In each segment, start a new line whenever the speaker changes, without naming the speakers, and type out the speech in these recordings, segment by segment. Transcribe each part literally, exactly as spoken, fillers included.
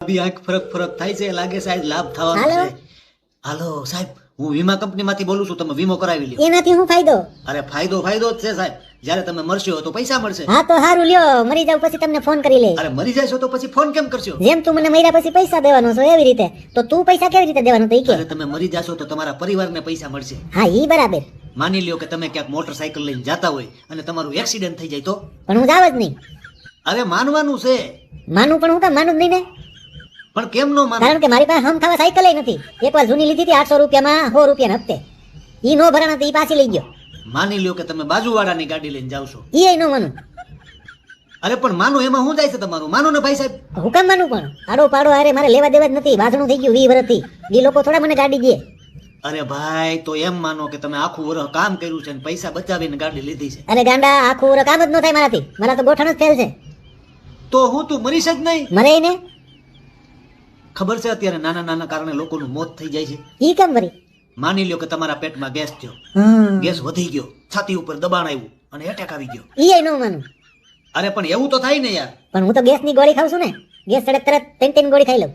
ભાભી આંખ ફરક ફરક થાય છે, લાગે છે આજ લાભ થવાનો
હાલો.
છે. હાલો સાહેબ, હું વીમા કંપનીમાંથી બોલું છું, તમે વીમો કરાવી લ્યો.
એનાથી શું ફાયદો?
અરે ફાયદો ફાયદો જ છે સાહેબ, જ્યારે તમે મરશો તો પૈસા મળશે.
હા તો સારું લ્યો, મરી જાવ પછી તમને ફોન કરી લે.
અરે મરી જશો તો પછી ફોન કેમ કરશો?
જેમ તું મને મર્યા પછી પૈસા દેવાનો છો એવી રીતે, તો તું પૈસા કેવી રીતે દેવાનો તો ઈ કે.
અરે તમે મરી જશો તો તમારા પરિવારને પૈસા મળશે.
હા ઈ બરાબર,
માની લ્યો કે તમે ક્યાંક મોટરસાયકલ લઈને જાતા હોય અને તમારું એક્સિડન્ટ થઈ જાય તો?
પણ હું જાવ જ નહીં.
અરે માનવાનું છે.
માનું પણ હું કામ માનું જ નહીં ને,
પણ કેમ નો માનો?
કારણ કે મારી પાસે હમ ખાવા સાયકલ નથી. એકવાર જૂની લીધી હતી આઠસો રૂપિયામાં, સો રૂપિયા હપ્તે. ઈ નો ભરાણા તો ઈ પાછી લઈ ગયો.
માની લ્યો કે તમે બાજુવાળાની ગાડી લઈને જાવ છો.
ઈ નો માનું.
અરે પણ માનો એમાં શું જાય છે તમારું? માનો ને ભાઈ સાહેબ.
હું કામ માનું? પણ આડો પાડો અરે મારે લેવા દેવા જ નથી. વાસણું થઈ ગયું વીસ વર્ષથી. એ લોકો થોડા મને ગાડી દે.
અરે ભાઈ તો એમ માનો કે તમે આખું વર્ષ કામ કર્યું છે અને પૈસા બચાવીને ગાડી લીધી છે.
અરે ગાંડા, આખું વર્ષ કામ જ ન થાય મારાથી. મારા તો ગોઠણ જ ફેલ છે.
તો હું તું મરીશ જ નહીં?
મરે ને.
ખબર છે અત્યારે નાના નાના કારણે લોકોનું મોત થઈ જાય છે.
ઈ કેમ વરી?
માની લ્યો કે તમારા પેટમાં ગેસ થયો, ગેસ વધી ગયો, છાતી ઉપર દબાણ આવ્યું અને એટેક આવી ગયો.
ઈ નો માનું.
અરે પણ એવું તો થાય ને યાર.
પણ હું તો ગેસની ગોળી ખાઉં છું ને. ગેસ ચડે તરત ત્રણ ત્રણ ગોળી ખાઈ લઉં.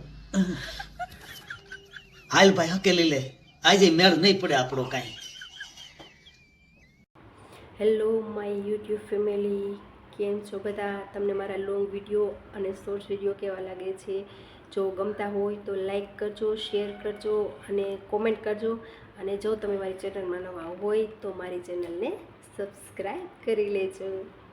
હાલ ભાઈ હકેલી લે, આજે મેળ નહીં પડે આપણો કાંઈ.
હેલો માય યુટ્યુબ ફેમિલી, કેમ છો બધા? તમને મારા લોંગ વિડીયો અને શોર્ટ્સ વિડીયો કેવા લાગે છે? જો ગમતા હોય તો લાઈક કરજો, શેર કરજો અને કોમેન્ટ કરજો. અને જો તમે મારી ચેનલમાં નવા હોય તો મારી ચેનલને સબસ્ક્રાઈબ કરી લેજો.